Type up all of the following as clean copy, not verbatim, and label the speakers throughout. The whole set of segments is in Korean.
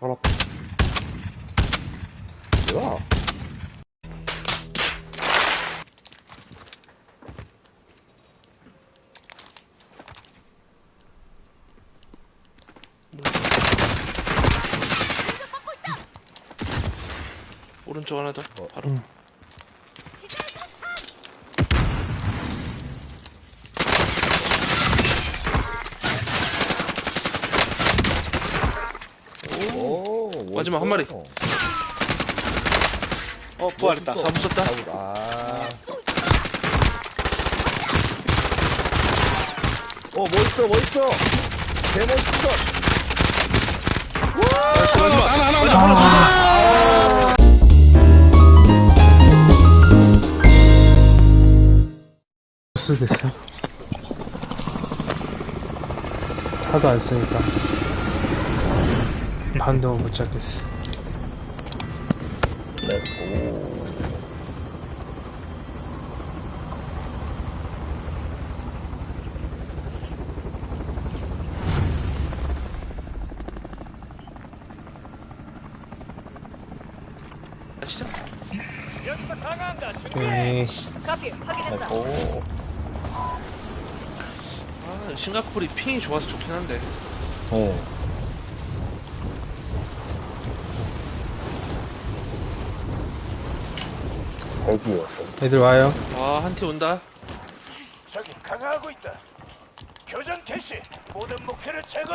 Speaker 1: 알았다. 뭐야?
Speaker 2: 오른쪽 하나 더. 바로.
Speaker 1: 오,
Speaker 2: 마지막 한 마리. 부활했다. 다 부쉈다.
Speaker 1: 아. 멋있어, 멋있어! 개 멋있어!
Speaker 2: 마지막. 하나.
Speaker 3: 보스 됐어. 하도 안 쓰니까 반도 못 잡겠어.
Speaker 1: 렛츠고.
Speaker 2: 시작.
Speaker 3: 오케이.
Speaker 1: 렛츠고.
Speaker 2: 아, 싱가포르이 핑이 좋아서 좋긴 한데.
Speaker 1: 거기였어.
Speaker 3: 애들 와요.
Speaker 2: 와, 한 팀 온다.
Speaker 4: 적이 강화하고 있다. 교전 개시. 모든 목표를 제거.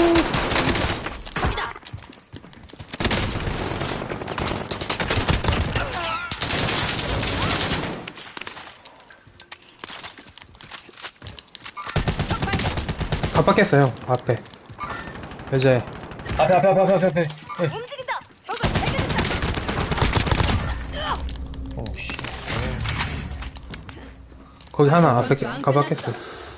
Speaker 3: 깜빡했어요. 앞에 여자애.
Speaker 1: 앞에.
Speaker 5: 움직인다. 적을 발견했다.
Speaker 3: 거기 하나 앞에 깜빡했어.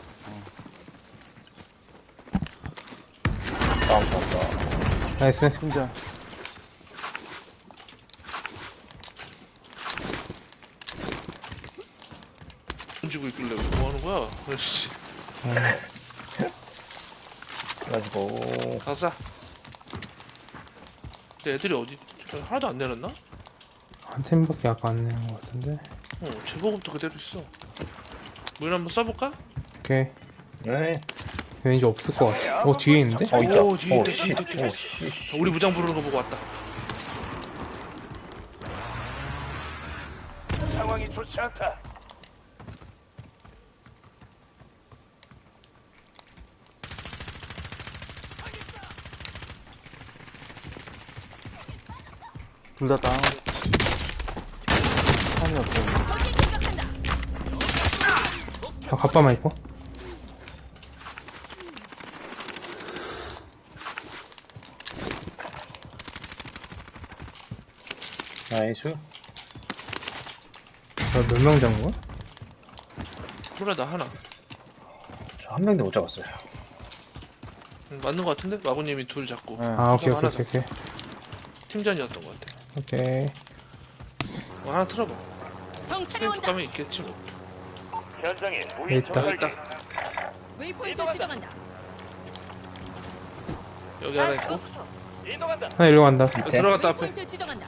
Speaker 3: 나이스.
Speaker 1: 혼자.
Speaker 2: 던지고 있길래 뭐 하는 거야? 아이씨.
Speaker 1: 렛츠고.
Speaker 2: 가자. 근데 애들이 어디? 하나도 안 내렸나?
Speaker 3: 한 팀밖에 아까 안 내는 것 같은데.
Speaker 2: 제보급도 그대로 있어. 물 한번 써볼까?
Speaker 3: 오케이.
Speaker 1: 네.
Speaker 3: 왠지 없을 것 같아. 뒤에 있는데?
Speaker 1: 있다.
Speaker 2: 오, 뒤에 있다,
Speaker 1: 씨.
Speaker 2: 뒤에 있다, 뒤에 있다. 우리 무장 부르는 거 보고 왔다.
Speaker 4: 상황이 좋지 않다.
Speaker 1: 둘 다 다운. 한이 없어.
Speaker 3: 갑바만 있고.
Speaker 1: 나이스.
Speaker 3: 몇 명 잡은 거야?
Speaker 2: 몰라, 나 하나.
Speaker 1: 저 한 명도 못 잡았어요.
Speaker 2: 맞는 거 같은데? 마구님이 둘 잡고.
Speaker 3: 아, 오케이.
Speaker 2: 팀전이었던 거 같아.
Speaker 3: 오케이.
Speaker 2: 하나 틀어봐.
Speaker 5: 정찰이 온다.
Speaker 2: 가면 있겠지 뭐.
Speaker 4: 현장에
Speaker 3: 있다.
Speaker 4: 무인 정찰기.
Speaker 2: 있다.
Speaker 5: 웨이포인트 지정한다.
Speaker 2: 여기 하나 있고.
Speaker 4: 이동한다.
Speaker 3: 하나 일로 간다.
Speaker 2: 여기 들어갔다 앞에.
Speaker 5: 웨이포인트 지정한다.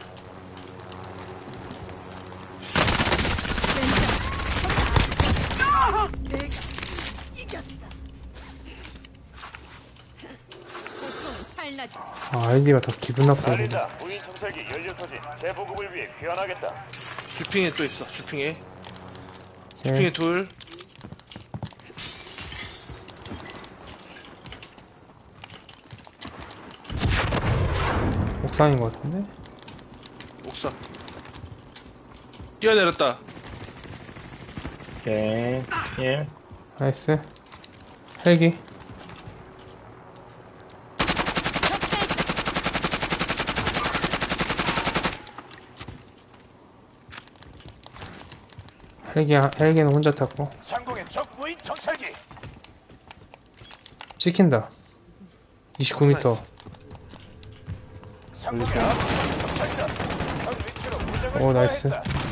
Speaker 5: 내가 이겼어. 보통은 찰나지.
Speaker 3: 아이디가 더 기분 나쁘네.
Speaker 4: 날린다. 무인 정찰기 연료 소진. 재보급을 위해 귀환하겠다.
Speaker 2: 주핑에 또 있어. 주핑에
Speaker 3: 오케이.
Speaker 2: 둘.
Speaker 3: 옥상인 것 같은데?
Speaker 2: 옥상. 뛰어내렸다.
Speaker 1: 오케이. 예.
Speaker 3: 나이스. 헬기. 헬기는 혼자 탔고.
Speaker 4: 상공의 적 무인 정찰기.
Speaker 3: 찍힌다. 29m.
Speaker 4: 상공의 아군 정찰기다. 현 위치로 무장을
Speaker 3: 오, 나이스.
Speaker 4: 투하했다.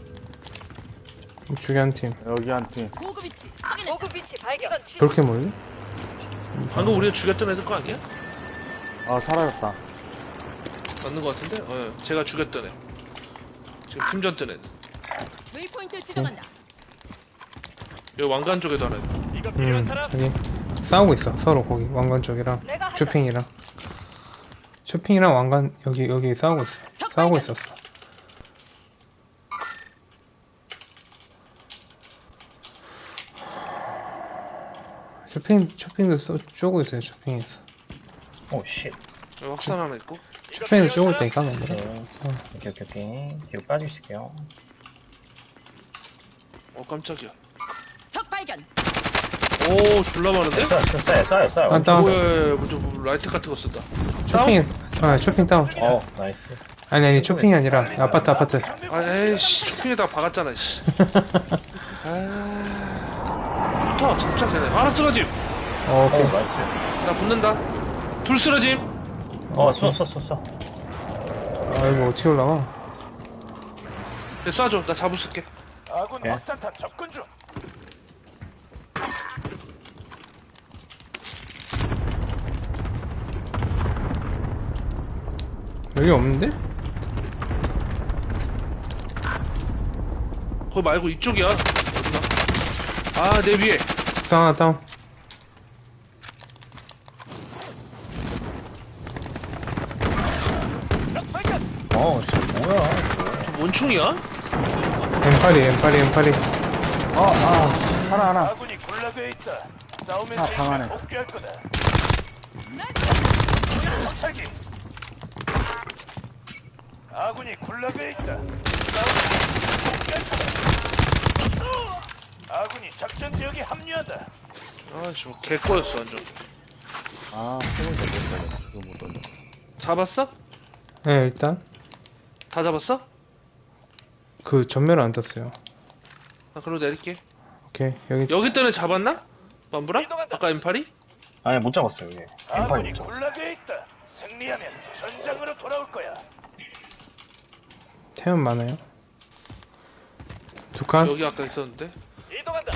Speaker 3: 우측에 한 팀.
Speaker 1: 여기 한 팀.
Speaker 5: 고급 위치 확인해. 고급 위치 발견.
Speaker 3: 그렇게 몰래?
Speaker 2: 방금 우리가 죽였던 애들 거 아니야?
Speaker 1: 아, 사라졌다.
Speaker 2: 맞는 것 같은데? 제가 죽였던 애. 지금 팀전 뜬 애.
Speaker 5: 웨이포인트 지정한다.
Speaker 2: 여기 왕관 쪽에도 하나 있고.
Speaker 4: 이거 필요한
Speaker 3: 음,
Speaker 4: 사람?
Speaker 3: 여기 싸우고 있어. 서로 거기 왕관 쪽이랑
Speaker 5: 내가 한다.
Speaker 3: 쇼핑이랑. 쇼핑이랑 왕관 여기 싸우고 있어.
Speaker 5: 적
Speaker 3: 싸우고
Speaker 5: 발견.
Speaker 3: 있었어. 쇼핑도 쪼고 있어요. 쇼핑에서.
Speaker 1: 오, 쉣.
Speaker 2: 여기 확산 하나 있고.
Speaker 4: 이거
Speaker 3: 쇼핑에서 쪼고
Speaker 4: 필요한
Speaker 3: 있다니까
Speaker 1: 오케이.
Speaker 3: 멤버들.
Speaker 1: 오케이. 뒤로 빠지실게요.
Speaker 2: 깜짝이야.
Speaker 5: 적 발견.
Speaker 2: 오, 졸라 많은데?
Speaker 1: 쏴요.
Speaker 3: 아, 다운.
Speaker 2: 뭐야, 뭐 라이트 같은 거 쓴다.
Speaker 3: 쇼핑 다운.
Speaker 1: 나이스.
Speaker 3: 아니 쇼핑이 아니라 아파트.
Speaker 4: 사람?
Speaker 2: 아, 에이씨, 쇼핑에다가 박았잖아, 씨. 아. 잡자, 쟤네. 하나 쓰러짐!
Speaker 3: 오케이.
Speaker 1: 나이스.
Speaker 2: 나 붙는다. 둘 쓰러짐!
Speaker 1: 쏴.
Speaker 3: 아 이거 어떻게 올라가?
Speaker 2: 네, 쏴줘. 나 잡을 쓸게.
Speaker 4: 아군
Speaker 1: 예.
Speaker 4: 확산탄 접근 중.
Speaker 3: 여기 없는데?
Speaker 2: 거기 말고 이쪽이야. 어디나? 아, 내 위에.
Speaker 3: 옥상 하나 다운.
Speaker 4: 적 발견.
Speaker 1: 진짜 뭐야.
Speaker 2: 저 뭔 총이야?
Speaker 3: M8이.
Speaker 6: 하나.
Speaker 4: 아군이 굴락에 있다. 싸움의
Speaker 6: 아,
Speaker 4: 세계에
Speaker 6: 방 안에.
Speaker 4: 복귀할 거다. 정찰기. 아군이 굴락에 있다. 싸움의 세계에 복귀할 거다. 아군이 작전 지역에 합류한다.
Speaker 2: 아, 씨, 개꺼였어, 완전.
Speaker 6: 소문 잘못했다. 그거 못 던져.
Speaker 2: 잡았어?
Speaker 3: 네 일단
Speaker 2: 다 잡았어?
Speaker 3: 그 전멸을 안 떴어요.
Speaker 2: 나 그러고 내릴게.
Speaker 3: 오케이 여기
Speaker 2: 여기 때는 잡았나? 맘브라? 아까 M8이?
Speaker 1: 아니, 못 잡았어요, 이게.
Speaker 4: 아군이
Speaker 1: 못 잡았어.
Speaker 4: 굴락에 있다. 승리하면 전장으로 돌아올 거야.
Speaker 3: 태연 많아요. 두 칸.
Speaker 2: 여기 아까 있었는데.
Speaker 4: 이동한다.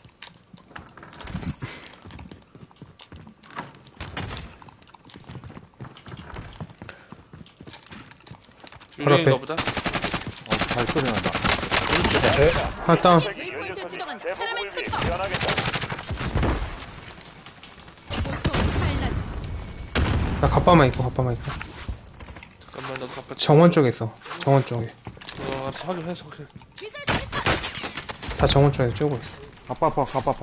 Speaker 3: 바로 앞에.
Speaker 2: 유령인가 보다.
Speaker 6: 발소리 난다.
Speaker 3: 하나 다운.
Speaker 5: 웨이포인트 지정한다.
Speaker 4: 대부분을
Speaker 5: 테라멘
Speaker 4: 위해
Speaker 5: 투척.
Speaker 4: 변하겠다.
Speaker 5: 보통은 찰나지.
Speaker 3: 나 갑바만 있고.
Speaker 2: 잠깐만, 나도 갚아.
Speaker 3: 정원 쪽에 있어. 정원 쪽에.
Speaker 2: 알았어, 확인해서.
Speaker 5: 기술 실탄.
Speaker 3: 다 정원 쪽에 쪼고 있어.
Speaker 6: 갑바파.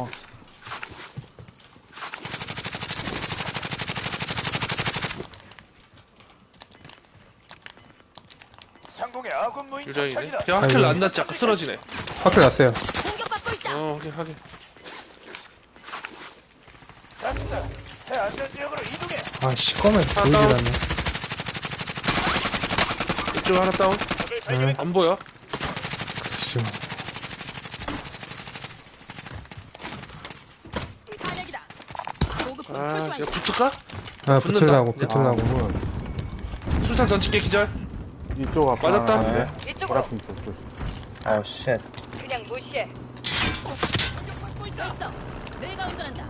Speaker 4: 상공의 아군 무인
Speaker 2: 유령이네.
Speaker 4: 정찰기다.
Speaker 2: 야, 하킬
Speaker 3: 아이고.
Speaker 2: 안 났지? 아까 쓰러지네.
Speaker 3: 화킬 났어요.
Speaker 5: 공격받고 있다.
Speaker 2: 확인.
Speaker 4: 갑시다. 새 안전 지역으로 이동해.
Speaker 3: 아 시꺼매 보이질
Speaker 2: 다운.
Speaker 3: 않네.
Speaker 2: 이쪽 하나 다운.
Speaker 4: 적을 발견했다.
Speaker 2: 안 보여.
Speaker 3: 씨.
Speaker 5: 탄약이다. 보급품
Speaker 2: 아,
Speaker 5: 표시
Speaker 2: 야,
Speaker 5: 완료.
Speaker 2: 붙을까?
Speaker 3: 아
Speaker 2: 붙는다.
Speaker 3: 붙으려고.
Speaker 2: 술탄 던질게, 기절.
Speaker 6: 이쪽 앞에
Speaker 2: 맞았다.
Speaker 6: 하나 있는데?
Speaker 5: 이쪽으로.
Speaker 6: 보라핑 쳤어.
Speaker 1: 쉣.
Speaker 5: 그냥 무시해. 공격받고 있어. 내가 운전한다.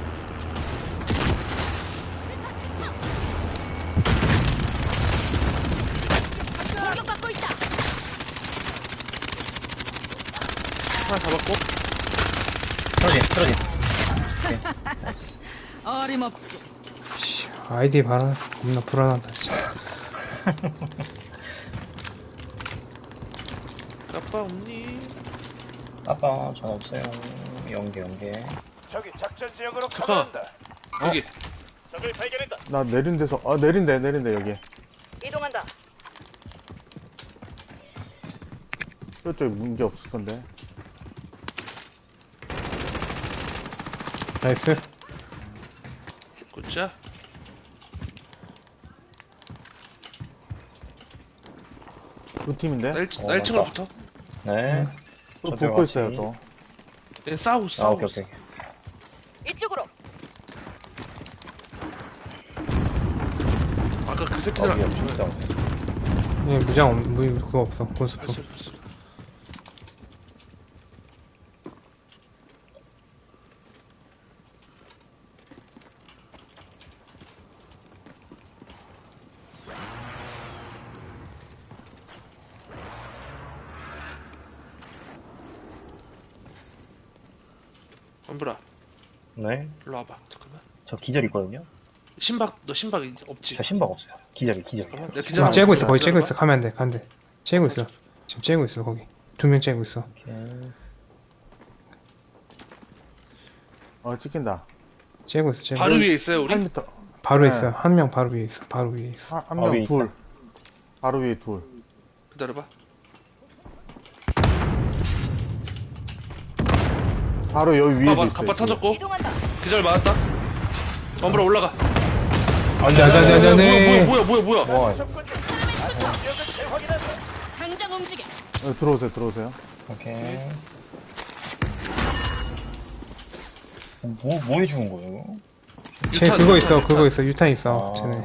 Speaker 5: 공격받고 있다.
Speaker 2: 하나 잡았고.
Speaker 1: 쓰러짐.
Speaker 5: 어림없지.
Speaker 3: 씨, 아이디 봐라. 겁나 불안하다 진짜.
Speaker 2: 아빠 없니?
Speaker 1: 아빠, 전 없어요. 연계.
Speaker 4: 적이 작전 지역으로
Speaker 2: 잠깐.
Speaker 4: 가버린다.
Speaker 2: 여기.
Speaker 4: 적을 발견했다.
Speaker 6: 나 내린 데서, 내린대, 여기.
Speaker 5: 이동한다.
Speaker 6: 저쪽에 문제 없을 건데.
Speaker 3: 나이스.
Speaker 2: 굿자.
Speaker 6: 두 팀인데?
Speaker 2: 나
Speaker 1: 어,
Speaker 2: 1층으로
Speaker 1: 맞다.
Speaker 2: 붙어.
Speaker 1: 네.
Speaker 6: 또
Speaker 1: 저쪽에
Speaker 6: 붙고
Speaker 1: 같이.
Speaker 6: 있어요, 또.
Speaker 2: 얘 싸우고 있어.
Speaker 1: 오케이.
Speaker 5: 이쪽으로.
Speaker 2: 아까 그 새끼들
Speaker 1: 위에
Speaker 2: 안
Speaker 1: 있어.
Speaker 3: 얘 그거 없어. 곤스프.
Speaker 2: 엄브라,
Speaker 1: 네.
Speaker 2: 일로 와봐. 잠깐만.
Speaker 1: 저 기절 있거든요.
Speaker 2: 너 신박 이제 없지?
Speaker 1: 저 신박 없어요. 기절이.
Speaker 2: 잠깐만. 내가
Speaker 3: 지금
Speaker 2: 기절하고
Speaker 3: 째고 있어.
Speaker 2: 있어.
Speaker 3: 거기 째고
Speaker 2: 기다려봐.
Speaker 3: 있어. 가면 안 돼. 가면 돼. 째고 있어. 지금 째고 있어. 거기. 2명 째고 있어.
Speaker 1: 오케이.
Speaker 6: 찍힌다.
Speaker 3: 째고 있어. 째고.
Speaker 2: 바로 위에 있어요, 우리?
Speaker 6: 8m.
Speaker 3: 바로
Speaker 6: 네.
Speaker 3: 있어. 한 명 바로 위에 있어. 바로 위에 있어.
Speaker 6: 한
Speaker 1: 위에
Speaker 6: 명
Speaker 1: 있다.
Speaker 6: 둘. 바로 위에 둘.
Speaker 2: 기다려봐.
Speaker 6: 바로 여기 위에도
Speaker 2: 봐봐,
Speaker 6: 있어요.
Speaker 2: 갑바 터졌고.
Speaker 5: 이동한다.
Speaker 2: 기절 맞았다. 엄브라 올라가.
Speaker 3: 안 돼, 안 돼, 안 돼, 안 돼, 안 돼.
Speaker 2: 뭐야.
Speaker 1: 와,
Speaker 4: 접근 중. 지역을 재확인한다.
Speaker 5: 당장 움직여.
Speaker 6: 들어오세요.
Speaker 1: 오케이. 뭐 해주는 거예요?
Speaker 3: 쟤
Speaker 2: 유탄,
Speaker 3: 그거
Speaker 2: 유탄,
Speaker 3: 있어.
Speaker 2: 유탄.
Speaker 3: 그거 있어. 유탄 있어.
Speaker 1: 아.
Speaker 3: 쟤네.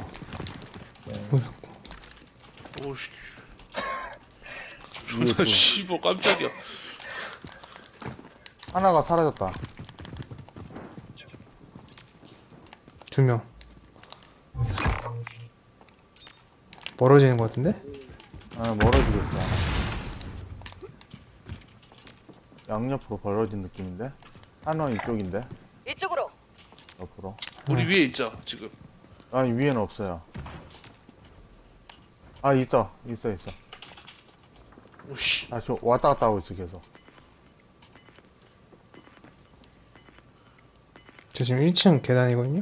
Speaker 2: 오씨.
Speaker 6: 위에
Speaker 2: 존나
Speaker 6: 둘.
Speaker 2: 씨발 깜짝이야.
Speaker 6: 하나가 사라졌다.
Speaker 3: 2명. 멀어지는 것 같은데?
Speaker 6: 멀어지겠어. 양옆으로 벌어진 느낌인데? 하나는 이쪽인데?
Speaker 5: 이쪽으로.
Speaker 6: 옆으로.
Speaker 2: 우리 위에 있죠, 지금.
Speaker 6: 아니, 위에는 없어요. 있어.
Speaker 2: 오씨.
Speaker 6: 저 왔다 갔다 하고 있어, 계속.
Speaker 3: 저 지금 1층 계단이거든요?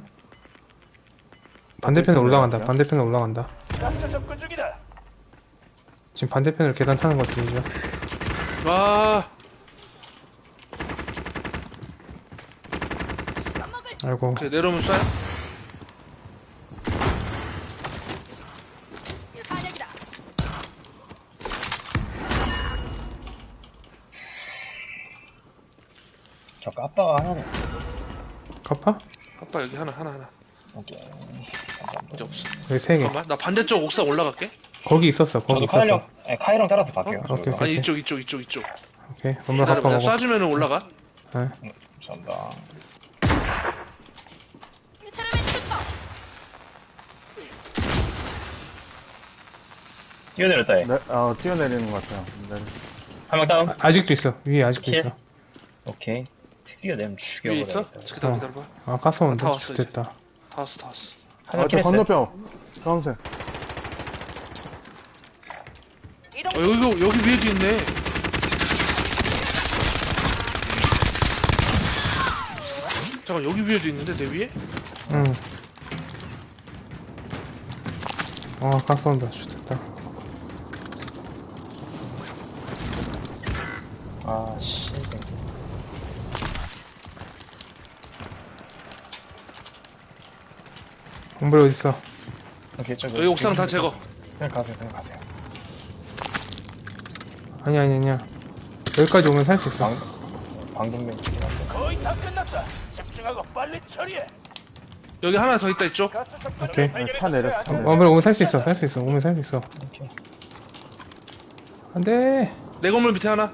Speaker 3: 반대편에 올라간다.
Speaker 6: 계단이요?
Speaker 3: 반대편에 올라간다.
Speaker 4: 가스 접근 중이다.
Speaker 3: 지금 반대편으로 계단 타는 것 같은데.
Speaker 2: 와.
Speaker 3: 아이고.
Speaker 2: 오케이, 내려오면 쏴요?
Speaker 5: 반역이다.
Speaker 1: 저 까빠가 하나는.
Speaker 3: 카파?
Speaker 2: 아빠 여기 하나.
Speaker 1: 오케이.
Speaker 2: 이제 없어.
Speaker 3: 여기 3개.
Speaker 2: 잠깐만, 나 반대쪽 옥상 올라갈게.
Speaker 3: 거기 있었어. 거기
Speaker 1: 저도
Speaker 3: 있었어.
Speaker 1: 카이랑 따라서 갈게요.
Speaker 3: 어? 오케이,
Speaker 2: 아니,
Speaker 3: 오케이.
Speaker 2: 이쪽.
Speaker 3: 오케이. 엄마
Speaker 2: 기다려봐,
Speaker 3: 카파
Speaker 2: 내가
Speaker 3: 먹어.
Speaker 2: 쏴주면은 올라가.
Speaker 3: 네.
Speaker 1: 감사합니다.
Speaker 5: 차량의 출석.
Speaker 1: 뛰어내렸다, 얘.
Speaker 6: 뛰어내리는 것 같아요.
Speaker 1: 한 명 다운.
Speaker 3: 아직도 있어. 위에 아직도
Speaker 1: 킬?
Speaker 3: 있어.
Speaker 1: 오케이. 뛰어내면
Speaker 2: 위에 있어?
Speaker 1: 죽여버려야겠다.
Speaker 2: 기다려봐.
Speaker 3: 아, 가스
Speaker 2: 다
Speaker 3: 온다.
Speaker 2: 왔어, 이제.
Speaker 3: 됐다.
Speaker 2: 다 왔어.
Speaker 1: 한명
Speaker 6: 저
Speaker 1: 킬했어요.
Speaker 6: 건너편. 주황색.
Speaker 5: 이동.
Speaker 2: 여기 위에도 있네. 잠깐, 여기 위에도 있는데, 내 위에?
Speaker 3: 응. 가스 온다. 됐다.
Speaker 1: 아, 씨.
Speaker 3: 공불 어딨어?
Speaker 1: 오케이, 저기.
Speaker 2: 여기 옥상 다 제거.
Speaker 1: 그냥 가세요.
Speaker 3: 아니야. 여기까지 오면 살 수 있어.
Speaker 1: 방금면
Speaker 4: 거의 다 끝났다. 집중하고 빨리 처리해.
Speaker 2: 여기 하나 더 있다, 이쪽.
Speaker 4: 가스 접근
Speaker 3: 오케이.
Speaker 6: 차 내렸어.
Speaker 3: 오면 살 수 있어. 오면 살 수 있어.
Speaker 1: 오케이.
Speaker 3: 안 돼.
Speaker 2: 내 건물 밑에 하나.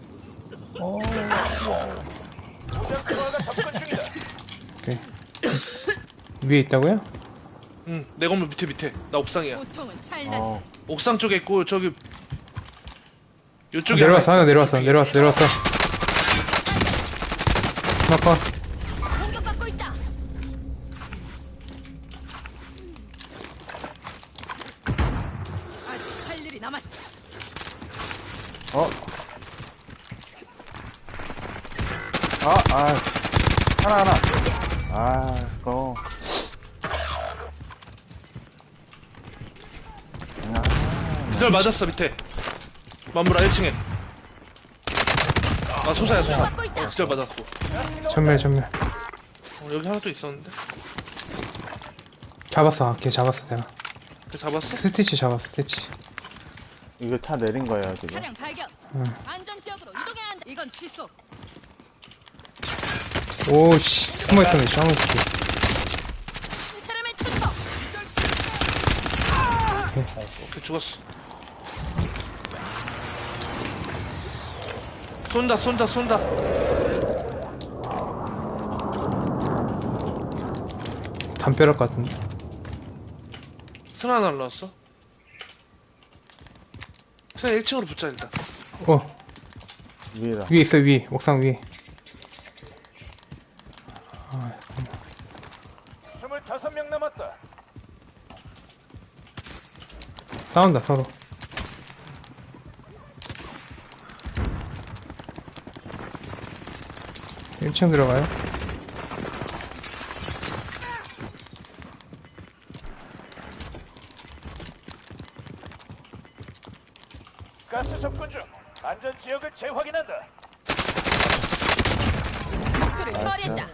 Speaker 4: 무장 투하가 접근 중이다.
Speaker 3: 오케이. 위에 있다고요?
Speaker 2: 응, 내 건물 밑에. 나 옥상이야.
Speaker 5: 보통은 찰나지.
Speaker 2: 옥상 쪽에 있고, 저기. 요쪽에
Speaker 3: 내려왔어. 하나
Speaker 2: 있어.
Speaker 3: 내려왔어. 하나 컷.
Speaker 5: 공격받고 있다. 아직 할 일이 남았어.
Speaker 6: 하나. 그거.
Speaker 2: 기절 맞았어, 밑에. 만물아, 1층에. 아, 소사야.
Speaker 5: 공격받고 있다.
Speaker 2: 기절 맞았고.
Speaker 3: 전멸.
Speaker 2: 여기 하나 또 있었는데.
Speaker 3: 잡았어. 걔 잡았어, 내가.
Speaker 2: 걔 잡았어?
Speaker 3: 스티치 잡았어, 스티치.
Speaker 6: 이거 차 내린 거예요, 지금.
Speaker 5: 차량 발견.
Speaker 3: 응.
Speaker 5: 안전 지역으로 이동해야 한다. 이건 취소.
Speaker 3: 오씨. 숨어있었네, 쌍을 새끼.
Speaker 5: 차량의 출석.
Speaker 2: 걔 죽었어. 쏜다.
Speaker 3: 담벼락 같은데.
Speaker 2: 승아 날라왔어. 승아 1층으로 붙자, 일단.
Speaker 6: 위에다.
Speaker 3: 위에 있어, 위에. 옥상 위에. 싸운다 서로. 일층 들어가요?
Speaker 4: 가스 접근 중. 안전 지역을 재확인한다.
Speaker 5: 목표를 처리했다.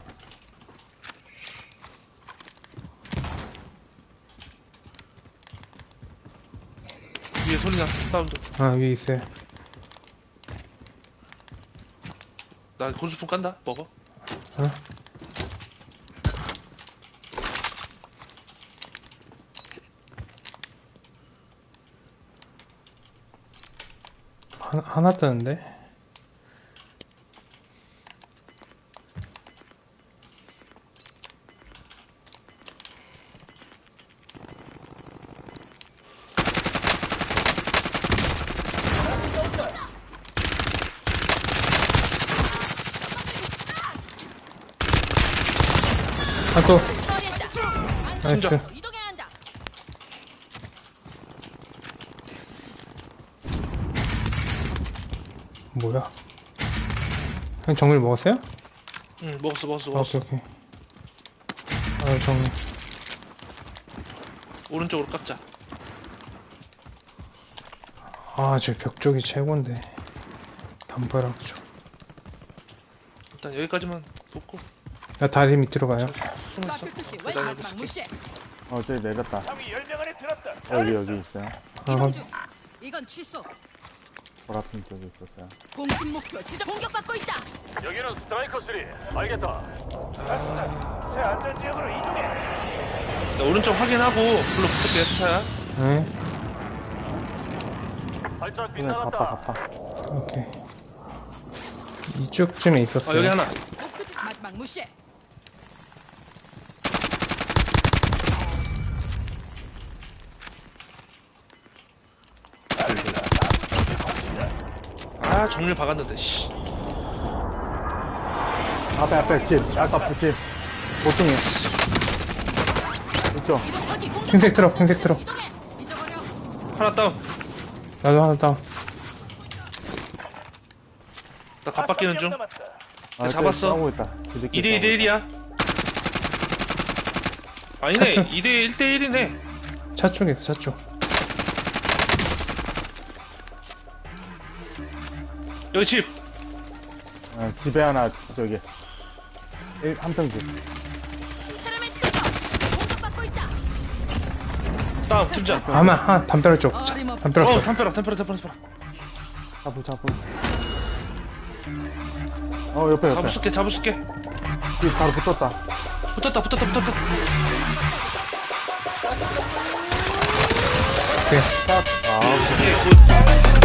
Speaker 2: 위에 소리 났어. 사운드.
Speaker 3: 아 위에 있어요.
Speaker 2: 나 곤수품 깐다. 먹어.
Speaker 3: 어? 하나 뜨는데? 아 또!
Speaker 5: 처리했다.
Speaker 3: 나이스.
Speaker 5: 이동해야 한다.
Speaker 3: 뭐야? 형 정밀 먹었어요?
Speaker 2: 응, 먹었어, 먹었어,
Speaker 3: 아,
Speaker 2: 먹었어.
Speaker 3: 오케이 오케이. 아 정밀.
Speaker 2: 오른쪽으로 깎자.
Speaker 3: 아 저 벽 쪽이 최고인데. 담벼락 쪽.
Speaker 2: 일단 여기까지만 돕고.
Speaker 3: 나 다리 밑으로 가요.
Speaker 2: 숨어 있어.
Speaker 5: 좌표 표시 왜
Speaker 2: 기다려,
Speaker 5: 마지막 무시해.
Speaker 6: 저기 내렸다.
Speaker 4: 상위 10명 안에 들었다.
Speaker 6: 여기
Speaker 4: 잘했어.
Speaker 6: 있어요.
Speaker 3: 아,
Speaker 5: 이동 중. 이건 취소.
Speaker 6: 보라핀 쪽에 있었어요.
Speaker 5: 공습 목표 지정 공격받고 있다.
Speaker 4: 여기는 스트라이커 3. 알겠다. 가스다. 새 안전 지역으로 이동해.
Speaker 2: 나 오른쪽 확인하고 불러 붙을게, 스타야.
Speaker 3: 네.
Speaker 4: 살짝
Speaker 6: 그냥 갑바.
Speaker 3: 오케이. 이쪽쯤에 있었어요.
Speaker 2: 아, 여기 하나.
Speaker 5: 목표지 마지막 무시해.
Speaker 2: 아, 정밀 박았는데, 씨.
Speaker 6: 앞에 집. 아까 그 집. 보통이. 이쪽.
Speaker 5: 이동 저기 공격.
Speaker 3: 흰색 트럭, 흰색 트럭.
Speaker 5: 이동해. 잊어버려.
Speaker 2: 하나 다운.
Speaker 3: 나도 하나 다운.
Speaker 2: 나 갑바뀌는 중.
Speaker 6: 아,
Speaker 2: 잡았어.
Speaker 6: 싸우고 있다.
Speaker 2: 2대 2대 1이야. 아니네.
Speaker 3: 차트.
Speaker 2: 2대 1대 1이네.
Speaker 3: 차 쪽에 있어, 차 쪽.
Speaker 2: 여기 집.
Speaker 6: 집에 하나, 저기. 한평 집.
Speaker 5: 테르멘 투척. 공격받고 있다.
Speaker 2: 다운, 팀장.
Speaker 3: 아마, 담벼락 쪽.
Speaker 5: 어림없어.
Speaker 3: 담벼락 쪽.
Speaker 2: 템퍼라.
Speaker 6: 잡고. 옆에.
Speaker 2: 잡을게.
Speaker 6: 집 바로 붙었다.
Speaker 2: 붙었다.
Speaker 3: 오케이.
Speaker 6: 아,
Speaker 2: 오케이, 굿.